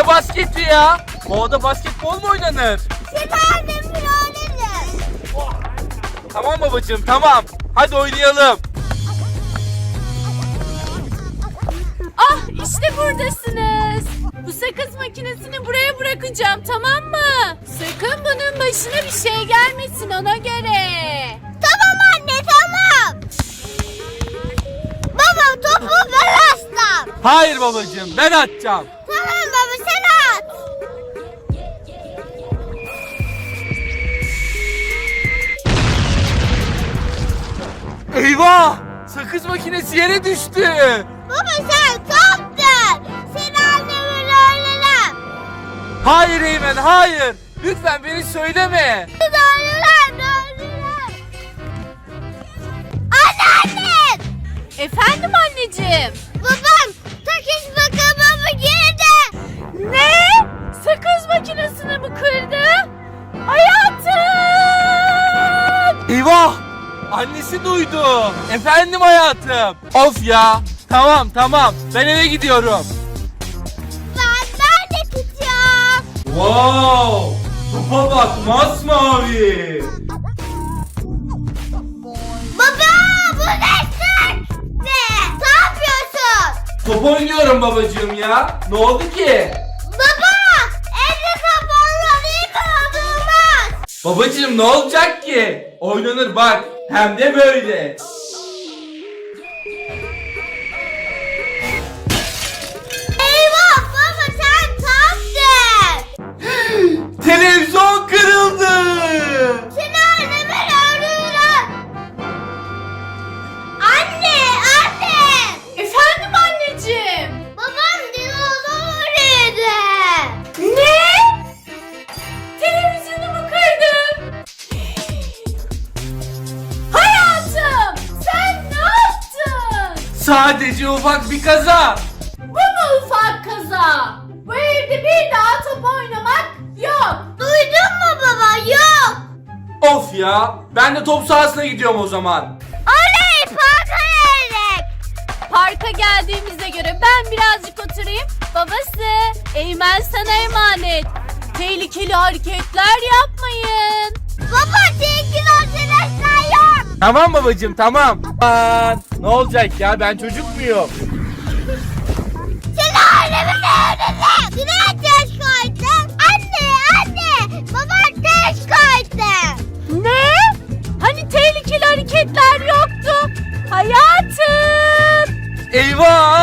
Ne basketi ya? Ovada basketbol mu oynanır? Tamam babacığım, tamam. Hadi oynayalım. Ah, işte buradasınız. Bu sakız makinesini buraya bırakacağım, tamam mı? Sakın bunun başına bir şey gelmesin, ona göre. Tamam anne, tamam. Baba, topu ben atsam. Hayır babacığım, ben atacağım. Tamam baba, sen at. Eyvah! Sakız makinesi yere düştü. Baba sen kaptın. Seni annemin öğrenem. Hayır Eymen, hayır. Lütfen beni söyleme. Öğrenem. Anneannem. Efendim anneciğim? Babam takış makamamı girdi. Ne? Sakız makinesini mi kırdı? Hayatım! Eyvah! Annesi duydu. Efendim hayatım. Of ya. Tamam tamam. Ben eve gidiyorum. Ben de gidiyorum. Wow! Topa bak masmavi. Baba bu ne sık? Ne yapıyorsun? Top oynuyorum babacığım ya. Ne oldu ki? Baba evde kapanlar iyi olmaz. Babacığım ne olacak ki? Oynanır bak. Hem de böyle. Eyvah baba sen kaptın. Televizyon kırıldı. Seni anneme öldürürüm. Anne. Efendim anneciğim? Babam dinozor yedi. Ne? Televizyonumu kırdın. Hayatım! Sen ne yaptın? Sadece ufak bir kaza. Bu mu ufak kaza? Bu evde bir daha top oynamak yok. Duydun mu baba? Yok. Of ya. Ben de top sahasına gidiyorum o zaman. Oley parka geldik. Parka geldiğimize göre ben birazcık oturayım. Babası, Eymen sana emanet. Tehlikeli hareketler yapmayın. Baba tehlikeli arkadaşlar yok. Tamam babacığım tamam. Aman, ne olacak ya, ben çocuk muyum? Seni anneme öldürdüm. Yine taş koydum. Anne. Baba taş koydu. Ne? Hani tehlikeli hareketler yoktu? Hayatım! Eyvah!